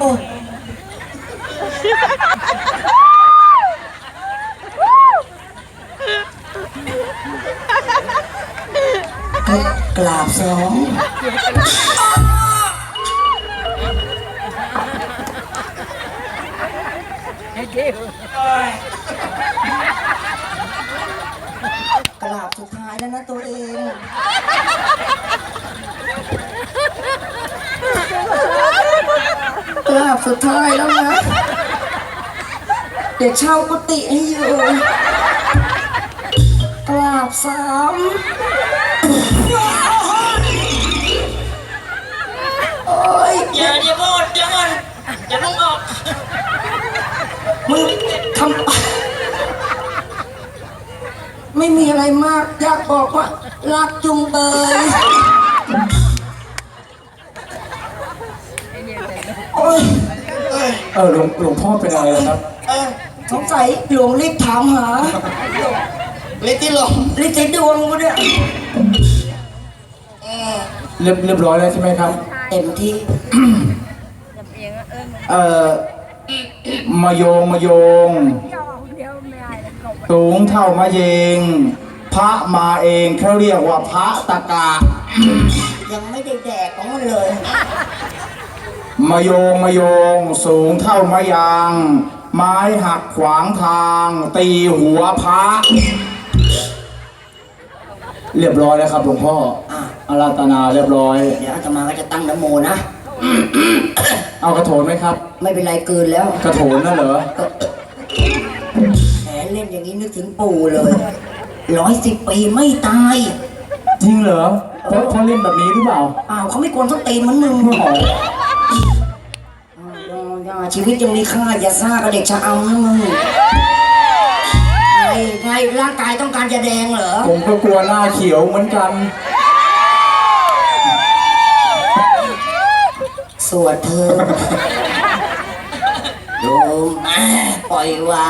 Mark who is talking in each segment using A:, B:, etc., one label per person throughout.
A: อ้กราบสองกราบสุดท้ายแล้วนะตัวเองกราบสุดท้ายแล้วนะเดี๋ยวเช่ากุฏิให้อยู่กราบสามโอ้ย
B: อย่าพูดอย่ามันอย่าต้องออก
A: มึงทำไม่มีอะไรมากอยากบอกว่ารักจุงเบยโอ้ย
C: หลวงพ่อเป็นอะไรครับ
A: สงสัยหลวงฤทธิ์ถามหา
B: ฤทธิ์ที่หลง
A: ฤทธิ์ดวงกูเนี่ย
C: เรียบร้อยแล้วใช่ไหมครับ
A: เต็มที่
C: มายงสูงเท่ามะเยงพระมาเองเขาเรียกว่าพระตะกะ
A: ยังไม่ได้แดกของมันเลย
C: มายงสูงเท่ามะยางไม้หักขวางทางตีหัวพระเรียบร้อยแล้วครับหลวงพ่ออาราธนาเรียบร้อย
A: เดี๋ยวอาตมาก็จะตั้งนะโมนะ
C: เอากระโถนไหมครับ
A: ไม่เป็นไรเกินแล้ว
C: กระโถนน่ะเหรอ
A: แหมเล่นอย่างนี้นึกถึงปู่เลย110 ปีไม่ตาย
C: จริงเหรอเขาเล่นแบบนี้หรือเปล่า
A: เขาไม่กวนส้นตีนเหมือนมึงชีวิตยังมีค่าอย่าซ่ากับเด็กชะอำนะมึงไงร่างกายต้องการจะแดงเหรอ
C: ผมก็กลัวหน้าเขียวเหมือนกัน
A: สวดเธอโยมปล่อยวาง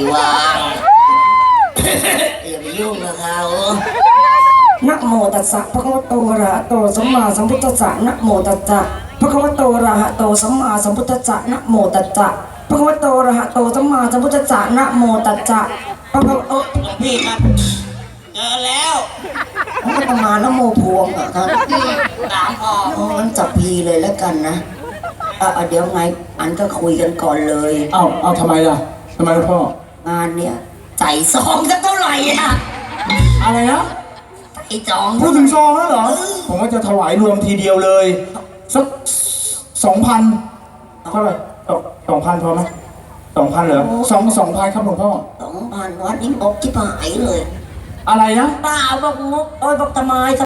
A: อย่าไปยุ่งกับเขานะโมตัสสะภะคะวะโตอะระหะโตสัมมาสัมพุทธัสสะนะโมตัสสะภะคะวะโตอะระหะโตสัมมาสัมพุทธัสสะนะโมตัสสะภะคะวะโตอะระหะโตสัมมาสัมพุทธัสสะนะโมตัสสะพระหลวง
B: พี่ครับเจอแล้ว
A: พระประมาณนะโมพวงอ่ะท่าน
B: ถามพอ
A: งั้นจับพีเลยแล้วกันนะเดี๋ยวไงอันก็คุยกันก่อนเลย
C: เอาทำไมล่ะทำไมพ่
A: องานเนี่ยใจซองสักเท่าไหร่อะ
C: อะไรนะ
A: ใจจอง
C: พูดถึงซองแล้วเหรอผมว่าจะถวายรวมทีเดียวเลยสัก2,000เท่าไหร่2,000พอไหม2,000เหรอ2,000ครับหลวงพ่อ
A: 2,000วัดนี้บอกที่หายเลย
C: อะไรนะ
A: เปล่าบอกงบบอกตะไม้